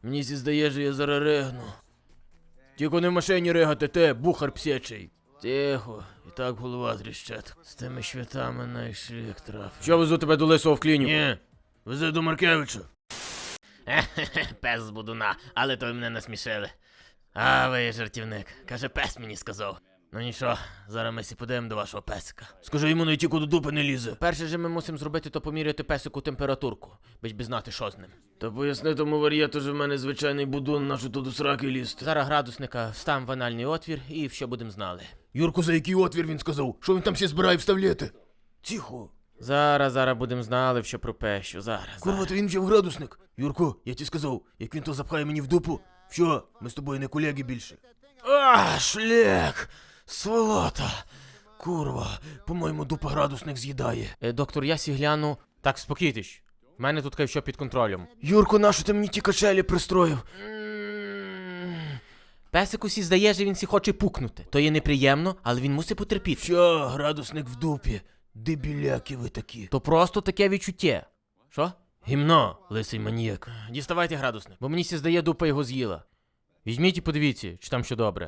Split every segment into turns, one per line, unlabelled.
Мені здає, що я зараз ригну. Тільки не в машині ригати, ти, бухар псячий. Тихо, і так голова тріщать. З тими швятами на шлях трафив. Що везу тебе до Лисого в клініку? Ні, вези до Маркевича. Пес з будуна, але то ви мене насмішили. А ви жартівник, каже, пес мені сказав. Ну нічого, зараз ми сі подивимо до вашого песика. Скажи йому, на тільки до дупи не лізе. Перше же ми мусимо зробити, то поміряти песику температурку, бич би знати, що з ним. Та поясни тому вар'єту, що в мене звичайний будун, нашу тут до сраки лізти. Зараз градусника встав в анальний отвір і все будемо знали.
Юрку, за який отвір він сказав? Що він там ще збирає вставляти? Тихо.
Зараз будемо знали, що про пещу, зараз.
Курва, то він вже в градусник. Юрко, я ті сказав, як він то запхає мені в дупу. Все, ми з тобою не колеги більше.
А, шлях! Сволота!
Курва, по-моєму, дупа градусник з'їдає.
Доктор, я сі гляну. Так, спокійтесь. В мене тут все під контролем.
Юрко, нащо ти мені ті качелі пристроїв?
Песику сі здає, що він сі хоче пукнути. То є неприємно, але він мусить потерпіти.
Що, градусник в дупі? Дебіляки ви такі.
То просто таке відчуття. Що?
Гімно, лисий маніяк.
Діставайте градусник, бо мені сі здає, дупа його з'їла. Візьміть і подивіться, чи там що добре.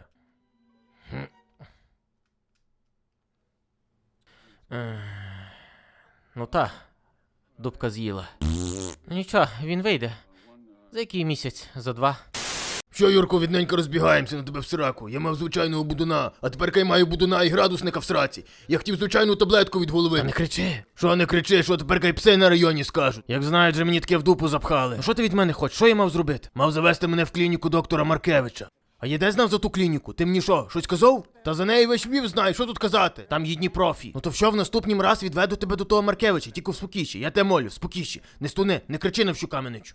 Ну та, дупка з'їла. Нічого, він вийде. За який місяць? За 2.
Що, Юрко, відненько розбігаємося на тебе в сраку. Я мав звичайного будуна, а тепер я маю будуна і градусника в сраці. Я хотів звичайну таблетку від голови.
Та не кричи.
Що не кричи, що тепер кай пси на районі скажуть. Як знають, же мені таке в дупу запхали.
Ну що ти від мене хочеш? Що я мав зробити?
Мав завести мене в клініку доктора Маркевича. А я де знав за ту клініку? Ти мені що, щось казав? Та за неї весь Львів знає, що тут казати?
Там єдні профі.
Ну то що в наступнім раз відведу тебе до того Маркевича, тільки в спокійші. Я те молю, спокійші. Не стуни, не кричи на всю каменичу.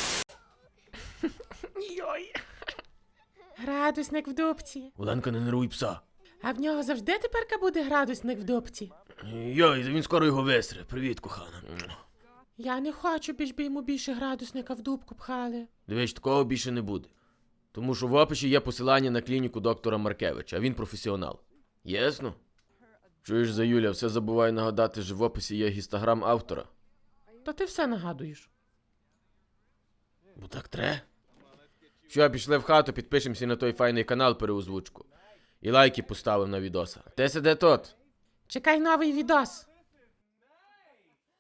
Йой.
Градусник в дупці.
Оленка, не нервуй пса.
А в нього завжди теперка буде градусник в дупці.
Йой, він скоро його висре. Привіт, кохана.
Я не хочу, біж би йому більше градусника в дупку пхали.
Дивись, такого більше не буде. Тому що в описі є посилання на клініку доктора Маркевича, а він професіонал. Ясно? Чуєш, за Юля, все забуваю нагадати, що в описі є гістограм автора.
Та ти все нагадуєш.
Бо так тре. Що, пішли в хату, підпишемося на той файний канал переозвучку. І лайки поставив на відоса. Ти сиде тут.
Чекай новий відос.